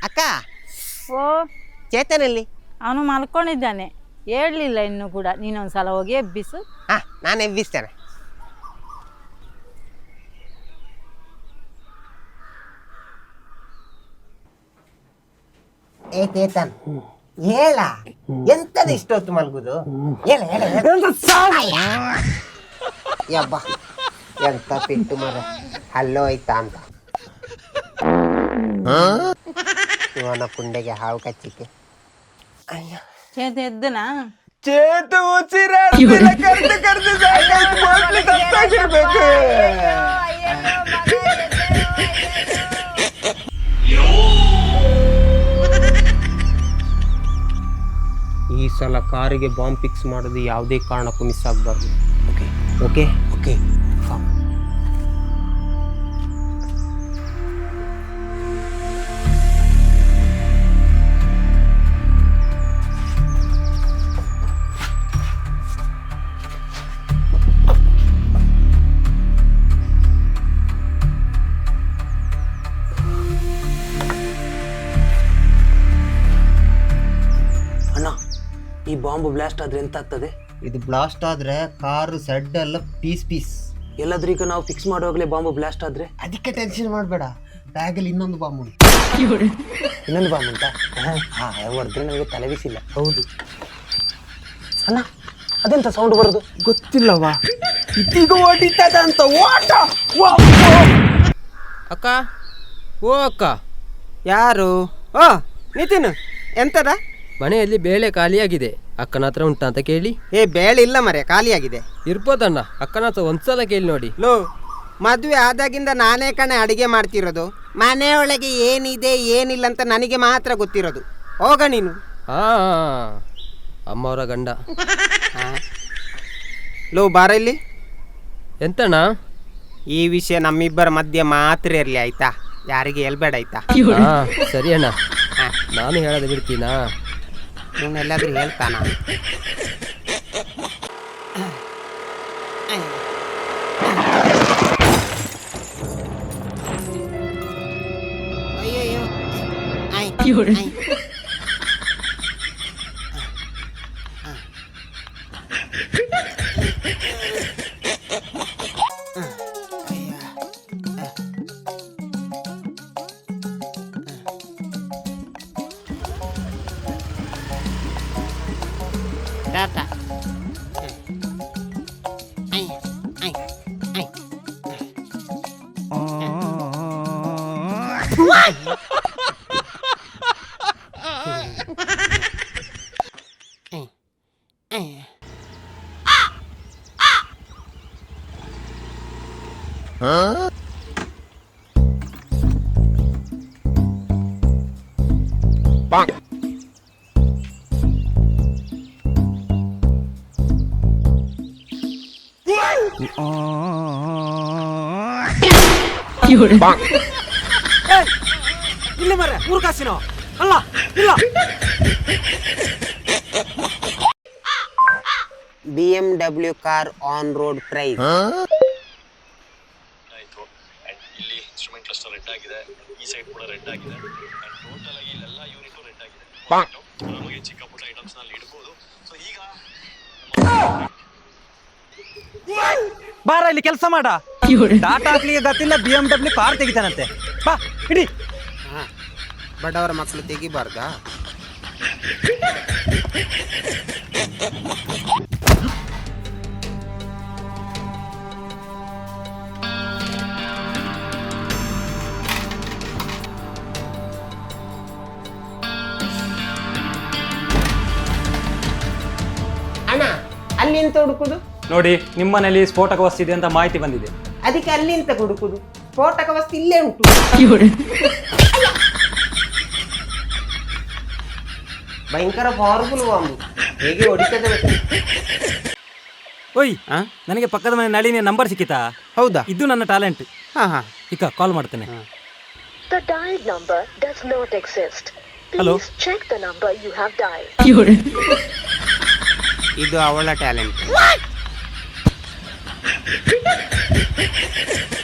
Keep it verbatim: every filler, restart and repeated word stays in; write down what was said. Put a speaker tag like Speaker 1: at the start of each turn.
Speaker 1: ಅಕ್ಕ,
Speaker 2: ಓ
Speaker 1: ಚೇತನಲ್ಲಿ?
Speaker 2: ಅವನು ಮಲ್ಕೊಂಡಿದ್ದಾನೆ, ಹೇಳಲಿಲ್ಲ ಇನ್ನೂ ಕೂಡ. ನೀನೊಂದ್ಸಲ ಹೋಗಿ ಎಬ್ಬಿಸು.
Speaker 1: ಹಾ, ನಾನು ಎಬ್ಬಿಸ್ತೇನೆ. ಏ ಚೇತನ್, ಹೇಳ, ಎಂತದ ಇಷ್ಟೊತ್ತು ಮಲ್ಗುದು? ಹೇಳ ಹೇಳ ಯಬ್ಬ, ಎಂತ ಪಿಟ್ಟು ಮರ, ಹಲ್ಲೋ ಆಯ್ತಾ ಅಂತ ಇವನ ಪುಂಡೆಗೆ ಹಾವು ಕಚ್ಚಿಕೆ. ಅಯ್ಯ,
Speaker 2: ಚೇತ ಎದ್ದನಾ?
Speaker 1: ಚೇತು ಉಸಿರಾಡ್ತಿಲ್ಲ, ಕರ್ದು ಕರ್ದು ಸಾಕಾಯ್ತು, ಮಕ್ಳು ಸತ್ತಾಗಿರ್ಬೇಕು. ಈ ಸಲ ಕಾರಿಗೆ ಬಾಂಬ್ ಫಿಕ್ಸ್ ಮಾಡೋದು ಯಾವುದೇ ಕಾರಣಕ್ಕೂ ಮಿಸ್ ಆಗಬಾರ್ದು. ಓಕೆ ಓಕೆ ಓಕೆ
Speaker 3: ಈ ಬಾಂಬ್ ಬ್ಲಾಸ್ಟ್ ಆದ್ರೆ ಎಂತ ಆಗ್ತದೆ?
Speaker 1: ಇದು ಬ್ಲಾಸ್ಟ್ ಆದ್ರೆ ಕಾರು ಸೆಡ್ ಎಲ್ಲ ಪೀಸ್ ಪೀಸ್.
Speaker 3: ಎಲ್ಲಾದ್ರೂ ಈಗ ನಾವು ಫಿಕ್ಸ್ ಮಾಡುವಾಗಲೇ ಬಾಂಬ್ ಬ್ಲಾಸ್ಟ್ ಆದ್ರೆ?
Speaker 1: ಅದಕ್ಕೆ ಟೆನ್ಷನ್ ಮಾಡಬೇಡ, ಬ್ಯಾಗಲ್ಲಿ ಇನ್ನೊಂದು ಬಾಂಬ್ ಉಂಟು.
Speaker 3: ಇನ್ನೊಂದು ಬಾಂಬ್ ಉಂಟಾ? ಹಾ, ಹೊಡೆದ್ರೆ ನನಗೆ ತಲೆ ಬಿಸಿಲ್ಲ.
Speaker 1: ಹೌದು
Speaker 3: ಅಣ್ಣ, ಅದೆಂತ ಸೌಂಡ್ ಬರೋದು?
Speaker 1: ಗೊತ್ತಿಲ್ಲವಾ, ಇದೀಗ ಹೊಡಿತದ ಅಂತ. ಓಟ ಅಕ್ಕ, ಓ ಅಕ್ಕ. ಯಾರು? ಓ ನಿತಿನ್, ಎಂತದ?
Speaker 4: ಮನೆಯಲ್ಲಿ ಬೇಳೆ ಖಾಲಿಯಾಗಿದೆ, ಅಕ್ಕನ ಹತ್ರ ಉಂಟಾ ಅಂತ ಕೇಳಿ.
Speaker 1: ಏ, ಬೇಳೆ ಇಲ್ಲ ಮರೆ, ಖಾಲಿಯಾಗಿದೆ.
Speaker 4: ಇರ್ಬೋದಣ್ಣ, ಅಕ್ಕನ ಹತ್ರ ಒಂದ್ಸಲ ಕೇಳಿ ನೋಡಿ.
Speaker 1: ಲೋ, ಮದುವೆ ಆದಾಗಿಂದ ನಾನೇ ಕಣೆ ಅಡಿಗೆ ಮಾಡ್ತಿರೋದು. ಮನೆಯೊಳಗೆ ಏನಿದೆ ಏನಿಲ್ಲ ಅಂತ ನನಗೆ ಮಾತ್ರ ಗೊತ್ತಿರೋದು. ಹೋಗ ನೀನು.
Speaker 4: ಹಾ, ಅಮ್ಮವರ ಗಂಡ.
Speaker 1: ಲೋ, ಬಾರ ಇಲ್ಲಿ.
Speaker 4: ಎಂತಣ್ಣ?
Speaker 1: ಈ ವಿಷಯ ನಮ್ಮಿಬ್ಬರ ಮಧ್ಯೆ ಮಾತ್ರ ಇರಲಿ, ಆಯ್ತಾ? ಯಾರಿಗೆ ಹೇಳ್ಬೇಡ, ಆಯ್ತಾ?
Speaker 4: ಹಾ, ಸರಿ ಅಣ್ಣ. ನಾನು ಹೇಳೋದು ಬಿಡ್ತೀನಾ?
Speaker 1: ಇವನ್ನೆಲ್ಲಾದ್ರೂ ಹೇಳ್ತಾನ? ಅಯ್ಯಯ್ಯೋ, ಟಾಟಾ.
Speaker 3: ಇಲ್ಲ ಮರ, ಮೂರು ಕಾಸಿನೋ ಅಲ್ಲ ಇಲ್ಲ.
Speaker 1: B M W car on road price.
Speaker 5: ಆಯ್ತು. ಅಂಡ್ ಇಲ್ಲಿ ಇನ್ಸ್ಟ್ರೂಮೆಂಟ್ ಕ್ಲಸ್ಟರ್ ರೆಡ್ ಆಗಿದೆ, ಈ ಸೈಡ್ ಕೂಡ ರೆಡ್ ಆಗಿದೆ. ಅಂಡ್ ಟೋಟಲ್ ಆಗಿ ಇಲ್ಲೆಲ್ಲ ಯೂನಿಟ್ ರೆಡ್ ಆಗಿದೆ. ನಮಗೆ ಚಿಕ್ಕ ಪುಟ್ಟ ಐಟಮ್ಸ್ ನಲ್ಲಿ ಇಡಬಹುದು. ಸೊ ಈಗ
Speaker 3: ಬಾರ ಇಲ್ಲಿ ಕೆಲಸ ಮಾಡ. ಟಾಟಾ ಹಾಕ್ಲಿಕ್ಕೆ ಗೊತ್ತಿಲ್ಲ, ಬಿ ಎಂ ಡಬ್ಲ್ಯೂ ಕಾರ್ ತೆಗಿತಾನಂತೆ. ಬಾ ಇಡಿ.
Speaker 1: ಬಡವರ ಮಕ್ಕಳು ತೆಗಿಬಾರ್ದಾ? ಅಣ್ಣ, ಅಲ್ಲಿಂತ ಹುಡುಕುದು?
Speaker 6: ನೋಡಿ, ನಿಮ್ಮನೇಲಿ ಸ್ಫೋಟಕ ವಸ್ತು ಇದೆ ಅಂತ ಮಾಹಿತಿ ಬಂದಿದೆ.
Speaker 1: ಅದಕ್ಕೆ ಅಲ್ಲಿಂತ ಹುಡುಕುದು? ಸ್ಫೋಟಕ ವಸ್ತು ಇಲ್ಲೇ ಉಂಟು. ಭಯಂಕರ ಪವರ್ಫುಲ್ ಬಾಂಬು, ಹೇಗೆ ಹೊಡಿತದೆ ಗೊತ್ತಾ?
Speaker 3: ಓಯ್, ನನಗೆ ಪಕ್ಕದ ಮನೆ ನಳಿನಿ ನಂಬರ್ ಸಿಕ್ಕಿತಾ?
Speaker 1: ಹೌದಾ?
Speaker 3: ಇದು ನನ್ನ ಟ್ಯಾಲೆಂಟ್.
Speaker 1: ಹಾ ಹಾ,
Speaker 3: ಈಗ ಕಾಲ್ ಮಾಡ್ತೇನೆ.
Speaker 7: The dialed number does not exist.
Speaker 3: Hello?
Speaker 7: Please check the number you have dialed.
Speaker 1: ಇದು ಅವಳ ಟ್ಯಾಲೆಂಟ್.